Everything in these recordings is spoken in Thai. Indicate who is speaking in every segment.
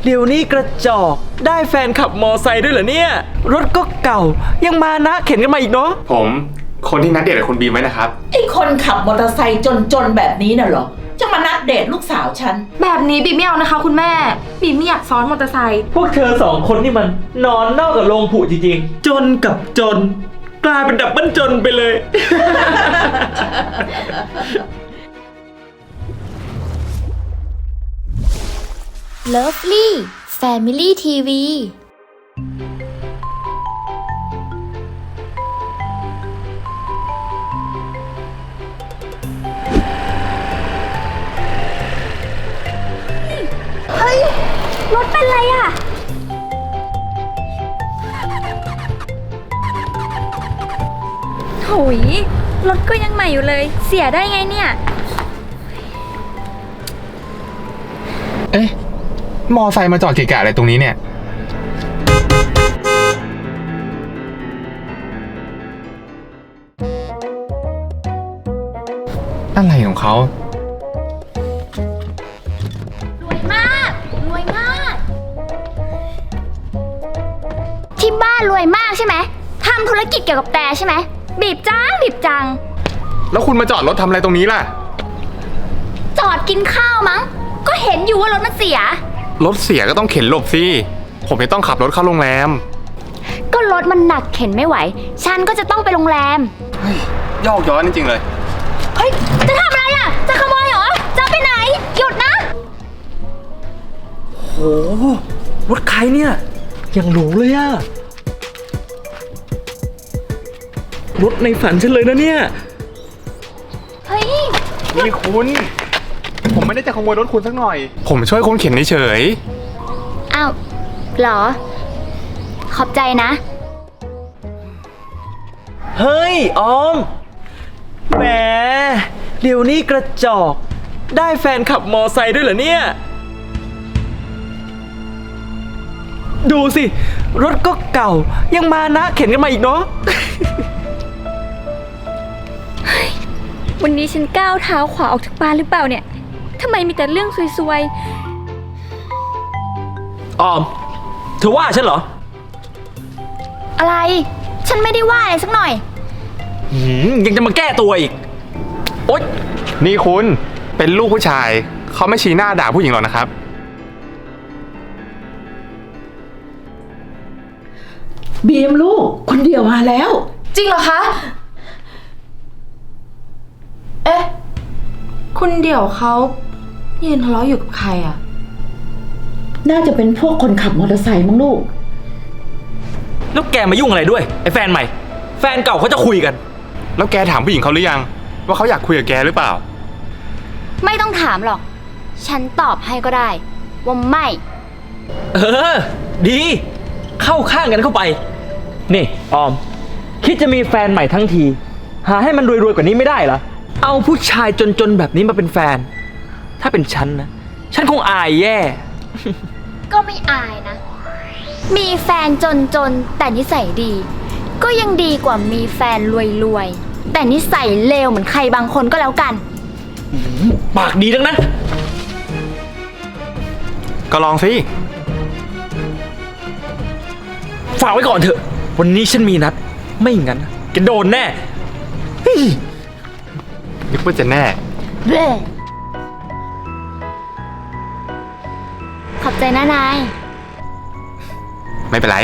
Speaker 1: เดี๋ยวนี้กระจอกได้แฟนขับมอไซค์ด้วยเหรอเนี่ยรถก็เก่ายังมานะเข็นกันมาอีกเนาะ
Speaker 2: ผมคนที่นัดเดทกับคุณบีมไว้นะครับ
Speaker 3: ไอ้คนขับมอเตอร์ไซค์จนแบบนี้น่ะเหรอจะมานัดเดทลูกสาวฉัน
Speaker 4: แบบนี้บีมไม่เอานะคะคุณแม่บีมไม่อยากซ้อนมอเตอร์ไซค์
Speaker 1: พวกเธอสองคนนี่มันนอนนอกกับโรงผุจริงๆจนกับจนกลายเป็นดับเบิลจนไปเลย
Speaker 5: Lovely Family TV เฮ้ยรถเป็นไรอะโหยรถก็ยังใหม่อยู่เลยเสียได้ไงเนี่ย
Speaker 2: เอ๊ะมอไซค์มาจอดเกะกะอะไรตรงนี้เนี่ยอะไรของเขา
Speaker 5: รวยมากรวยมากที่บ้านรวยมากใช่ไหมทำธุรกิจเกี่ยวกับแต่ใช่ไหมบีบจัง
Speaker 2: แล้วคุณมาจอดรถทำอะไรตรงนี้ล่ะ
Speaker 5: จอดกินข้าวมั้งก็เห็นอยู่ว่ารถมันเสีย
Speaker 2: รถเสียก็ต้องเข็นหลบสิผมไม่ต้องขับรถเข้าโรงแรม
Speaker 5: ก็รถมันหนักเข็นไม่ไหวฉันก็จะต้องไปโรงแรม
Speaker 2: ยอกย้อนจริงๆเลย
Speaker 5: เฮ้ยจะทำอะไรอ่ะจะขโมยเหรอจะไปไหนหยุดนะ
Speaker 1: โหรถใครเนี่ยยังหรูเลยอะรถในฝันฉันเลยนะเนี่ย
Speaker 5: เฮ้ย
Speaker 2: นี่คุณผมไม่ได้จะขโมยรถคุณสักหน่อยผมช่วยคุณเข็นเฉย
Speaker 5: อ้าวเหรอขอบใจนะ
Speaker 1: เฮ้ยออมแหมเดี๋ยวนี้กระจอกได้แฟนขับมอไซค์ด้วยเหรอเนี่ยดูสิรถก็เก่ายังมานะเข็นกันมาอีกเนาะ
Speaker 4: วันนี้ฉันก้าวเท้าขวาออกจากบ้านหรือเปล่าเนี่ยทำไมมีแต่เรื่องซวย
Speaker 1: ออมเธอว่าฉันเหรอ
Speaker 5: อะไรฉันไม่ได้ว่าอะไรสักหน่อย
Speaker 1: ยังจะมาแก้ตัวอีกโอ๊ย
Speaker 2: นี่คุณเป็นลูกผู้ชายเขาไม่ชี้หน้าด่าผู้หญิงหรอกนะครับ
Speaker 3: บีมลูกคนเดียวมาแล้ว
Speaker 4: จริงเหรอคะเอ๊ะคุณเดี่ยวเขายืนทะเลาะอยู่กับใครอ่ะ
Speaker 3: น่าจะเป็นพวกคนขับมอเตอร์ไซค์มั้งลูก
Speaker 1: แล้วแกมายุ่งอะไรด้วยไอ้แฟนใหม่แฟนเก่าเขาจะคุยกัน
Speaker 2: แล้วแกถามผู้หญิงเขาหรือยังว่าเขาอยากคุยกับแกหรือเปล่า
Speaker 5: ไม่ต้องถามหรอกฉันตอบให้ก็ได้ว่าไม่
Speaker 1: ดีเข้าข้างกันเข้าไปนี่ออมคิดจะมีแฟนใหม่ทั้งทีหาให้มันรวยๆกว่านี้ไม่ได้เหรอเอาผู้ชายจนๆแบบนี้มาเป็นแฟนถ้าเป็นฉันนะฉันคงอายแย่
Speaker 5: ก็ไม่อายนะมีแฟนจนแต่นิสัยดีก็ยังดีกว่ามีแฟนรวยแต่นิสัยเลวเหมือนใครบางคนก็แล้วกัน
Speaker 1: ปากดีทั้งนั้น
Speaker 2: ก็ลองสิ
Speaker 1: ฝากไว้ก่อนเถอะวันนี้ฉันมีนัดไม่งั้นแกโดนแน่
Speaker 2: นึกว่าจะแน่
Speaker 5: ขอบใจนะนาย
Speaker 2: ไม่เป็นไร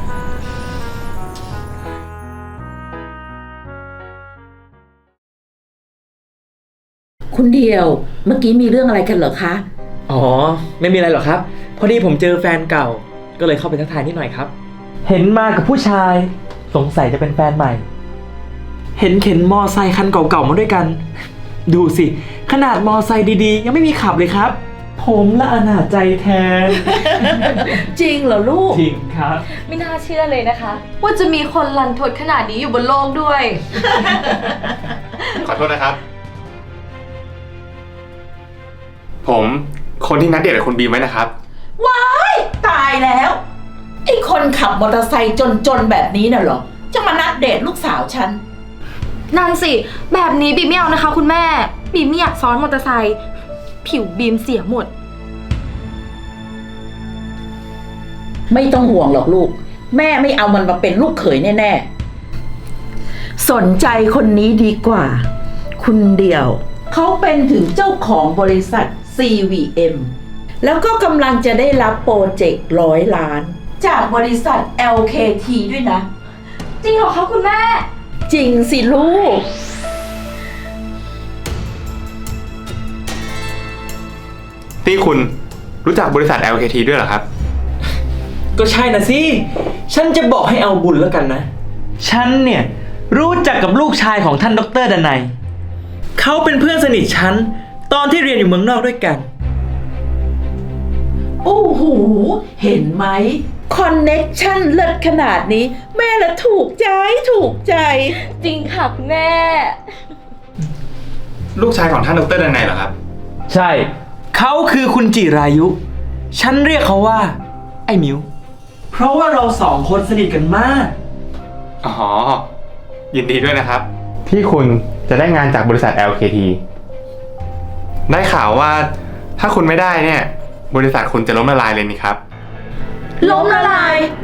Speaker 3: คุณเดียวเมื่อกี้มีเรื่องอะไรกันเหรอคะ
Speaker 1: อ๋อไม่มีอะไรหรอกครับพอดีผมเจอแฟนเก่าก็เลยเข้าไปทักทายนิดหน่อยครับเห็นมากับผู้ชายสงสัยจะเป็นแฟนใหม่เห็นเข็นมอไซค์คันเก่าๆมาด้วยกันดูสิขนาดมอไซค์ดีๆยังไม่มีขับเลยครับผมละอนาจใจแทน
Speaker 3: จริงเหรอลูก
Speaker 1: จริงครับ
Speaker 4: ไม่น่าเชื่อเลยนะคะว่าจะมีคนรันทดขนาดนี้อยู่บนโลกด้วย
Speaker 2: ขอโทษนะครับผมคนที่นัดเดทกับคุณบีมไว้นะครับ
Speaker 3: ว้ายตายแล้วไอ้คนขับมอเตอร์ไซค์จนแบบนี้น่ะเหรอจะมานัดเดทลูกสาวฉัน
Speaker 4: นั่นสิแบบนี้บีมไม่เอานะคะคุณแม่บีมไม่อยากซ้อนมอเตอร์ไซค์ผิวบีมเสียหมด
Speaker 3: ไม่ต้องห่วงหรอกลูก แม่ไม่เอามันมาเป็นลูกเขยแน่ๆสนใจคนนี้ดีกว่า คุณเดียว เขาเป็นถึงเจ้าของบริษัท CVM แล้วก็กำลังจะได้รับโปรเจกต์100 ล้าน จากบริษัท LKT ด้วยนะ
Speaker 4: จริงเหรอคะคุณแม่
Speaker 3: จริงสิลูก
Speaker 2: นี่คุณรู้จักบริษัท LKT ด้วยเหรอครับ
Speaker 1: ก็ใช่นะสิ ฉันจะบอกให้เอาบุญแล้วกันนะ ฉันเนี่ยรู้จักกับลูกชายของท่านดร.ดนัย เขาเป็นเพื่อนสนิทฉันตอนที่เรียนอยู่เมืองนอกด้วยกัน
Speaker 3: โอ้โห เห็นไหม คอนเน็กชั่นเลิศขนาดนี้ แม่ละถูกใจถูกใจ
Speaker 4: จริงค่ะคุณแม่
Speaker 2: ลูกชายของท่านดรดนัยเหรอครับ
Speaker 1: ใช่ เขาคือคุณจิรายุ ฉันเรียกเขาว่า ไอ้มิว เพราะว่าเราสองคนสนิทกันมาก
Speaker 2: อ๋อ ยินดีด้วยนะครับ ที่คุณจะได้งานจากบริษัท LKT ได้ข่าวว่าถ้าคุณไม่ได้เนี่ย บริษัทคุณจะล้มละลายเลยนี่ครับ
Speaker 3: ล้มละลาย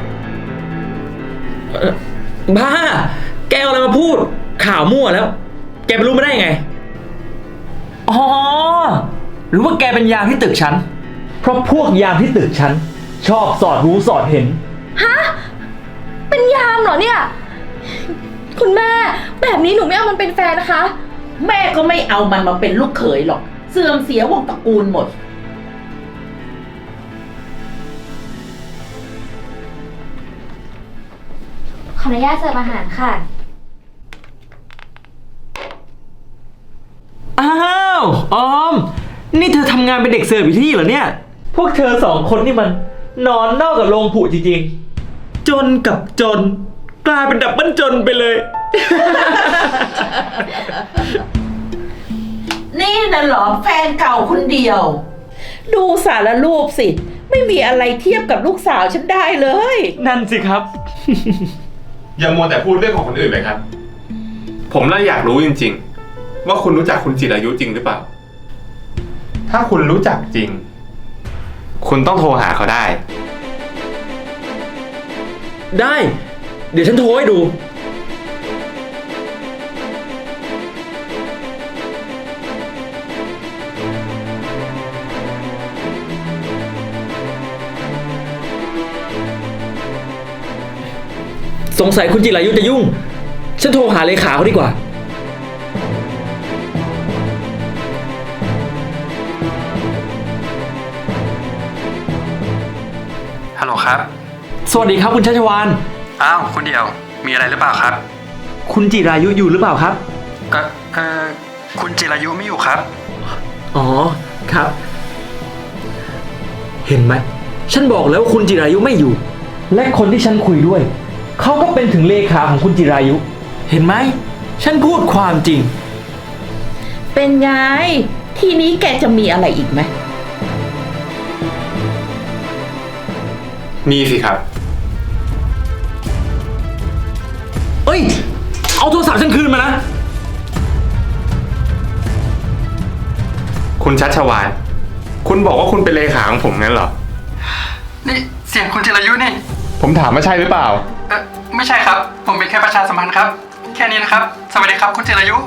Speaker 1: บ้า แกเอาอะไรมาพูด ข่าวมั่วแล้ว แกไปรู้มาได้ไง อ๋อ หรือว่าแกเป็นยามที่ตึกฉัน เพราะพวกยามที่ตึกฉัน ชอบสอดรู้สอดเห็น
Speaker 4: เป็นยามเหรอเนี่ย คุณแม่ แบบนี้หนูไม่เอามันเป็นแฟนนะคะ
Speaker 3: แม่ก็ไม่เอามันมาเป็นลูกเขยหรอก เสื่อมเสียวงตระกูลหมด
Speaker 5: ขออนุญาตเสิร์ฟอาหารค่ะ
Speaker 1: อ้าวออม นี่เธอทำงานเป็นเด็กเสิร์ฟอยู่ที่นี่เหรอเนี่ย พวกเธอสองคนนี่มันนอนนอกกับโรงผุจริงๆ จนกับจน กลายเป็นดับเบิลจนไปเลย
Speaker 3: นี่น่ะเหรอแฟนเก่าคนเดียว ดูสารรูปสิ ไม่มีอะไรเทียบกับลูกสาวฉันได้เลย
Speaker 1: นั่นสิครับ
Speaker 2: อย่ามัวแต่พูดเรื่องของคนอื่นเลยครับ ผมเลยอยากรู้จริงๆ ว่าคุณรู้จักคุณจิรายุจริงหรือเปล่า ถ้าคุณรู้จักจริง คุณต้องโทรหาเขาได้
Speaker 1: ได้ เดี๋ยวฉันโทรให้ดู สงสัยคุณจิรายุจะยุ่ง ฉันโทรหาเลขาเขาดีกว่า
Speaker 6: ฮัลโหลครับ
Speaker 1: สวัสดีครับคุณชัชวาน
Speaker 6: อ้าวคุณเดียว มีอะไรหรือเปล่าครับ
Speaker 1: คุณจิรายุอยู่หรือเปล่าครับ
Speaker 6: คุณจิรายุไม่อยู่ครับ
Speaker 1: อ๋อ ครับ เห็นไหม ฉันบอกแล้ววาคุณจิรายุไม่อยู่ และคนที่ฉันคุยด้วย เขาก็เป็นถึงเลขาของคุณจิรายุ เห็นไหม ฉันพูดความจริง
Speaker 3: เป็นไง ทีนี้แกจะมีอะไรอีกไหม
Speaker 2: มีสิครับ
Speaker 1: เอ้ย เอาโทรศัพท์ฉันคืนมานะ
Speaker 2: คุณชัชวาน คุณบอกว่าคุณเป็นเลขาของผมงั้นเหรอ
Speaker 6: นี่เสียงคุณจิรายุนี่
Speaker 2: ผมถามว่าใช่หรือเปล่า
Speaker 6: ไม่ใช่ครับ ผมเป็นแค่ประชาสัมพันธ์ครับ แค่นี้นะครับ สวัสดีครับคุณจิรายุ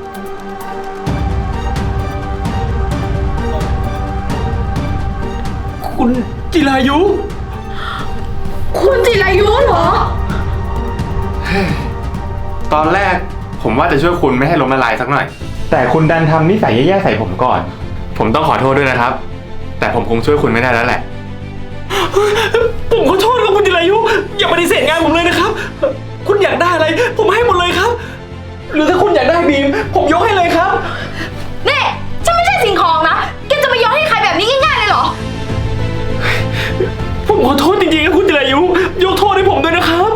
Speaker 1: คุณจิรายุ
Speaker 3: คุณจิรายุเหรอ
Speaker 2: ตอนแรกผมว่าจะช่วยคุณไม่ให้ล้มละลายสักหน่อย แต่คุณดันทำนิสัยแย่ๆใส่ผมก่อน ผมต้องขอโทษด้วยนะครับ แต่ผมคงช่วยคุณไม่ได้แล้วแหละ
Speaker 1: ผมขอโทษครับคุณจิรายุ อย่าปฏิเสธงานผมเลยนะครับ คุณอยากได้อะไร ผมให้หมดเลยครับ หรือถ้าคุณอยากได้บีม ผมยกให้เลยครับ
Speaker 4: นี่ ฉันไม่ใช่สิ่งของนะ แกจะมาโยนให้ใครแบบนี้ง่ายๆเลยเหรอ
Speaker 1: ผมขอโทษจริงๆครับคุณจิรายุ ยกโทษให้ผมด้วยนะครับ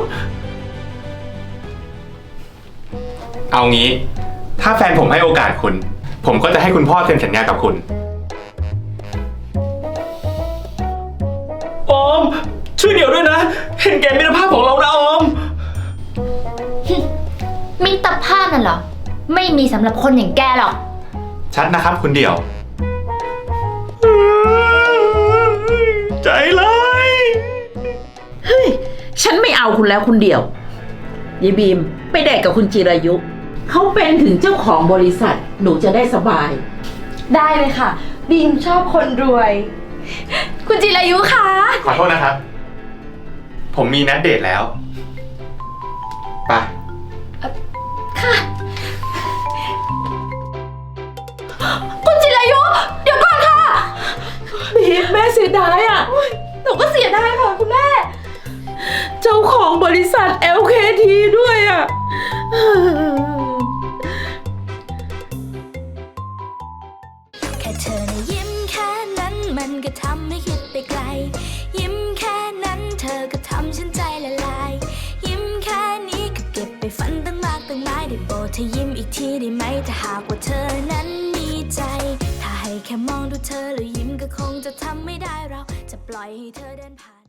Speaker 2: เอางี้ ถ้าแฟนผมให้โอกาสคุณ ผมก็จะให้คุณพ่อเซ็นสัญญากับคุณ
Speaker 1: ออม ช่วยเดี๋ยวด้วยนะ เห็นแก่มิตรภาพของเรานะออม
Speaker 5: มิตรภาพนั่นเหรอ ไม่มีสำหรับคนอย่างแกหรอก
Speaker 2: ชัดนะครับคุณเดี่ยว
Speaker 1: ใจร้าย
Speaker 3: เอาคุณแล้วคุณเดี่ยวยายบีมไปเดทกับคุณจิรายุเขาเป็นถึงเจ้าของบริษัทหนูจะได้สบาย
Speaker 4: ได้เลยค่ะ บีมชอบคนรวย คุณจิรายุคะ
Speaker 2: ขอโทษนะครับ ผมมีนัดเดทแล้ว ไป
Speaker 4: ค่ะ คุณจิรายุ เดี๋ยวก่อนค่ะ
Speaker 3: บีมแม่เสียดายอ่ะ
Speaker 4: หนูก็เสียดายค่ะคุณแม่
Speaker 3: เจ้าของบริษัท LKT ด้วยอ่ะ
Speaker 7: แค่เธอนะยิ้มแค่นั้นมันก็ทำให้คิดไปไกล ยิ้มแค่นั้นเธอก็ทำฉันใจละลาย ยิ้มแค่นี้ก็เก็บไปฝันตั้งมากตั้งหลายได้โปรดเธอยิ้มอีกทีได้ไหมถ้าหากว่าเธอนั้นมีใจ ถ้าให้แค่มองดูเธอแล้วยิ้มก็คงจะทำไม่ได้เราจะปล่อยให้เธอเดินผ่าน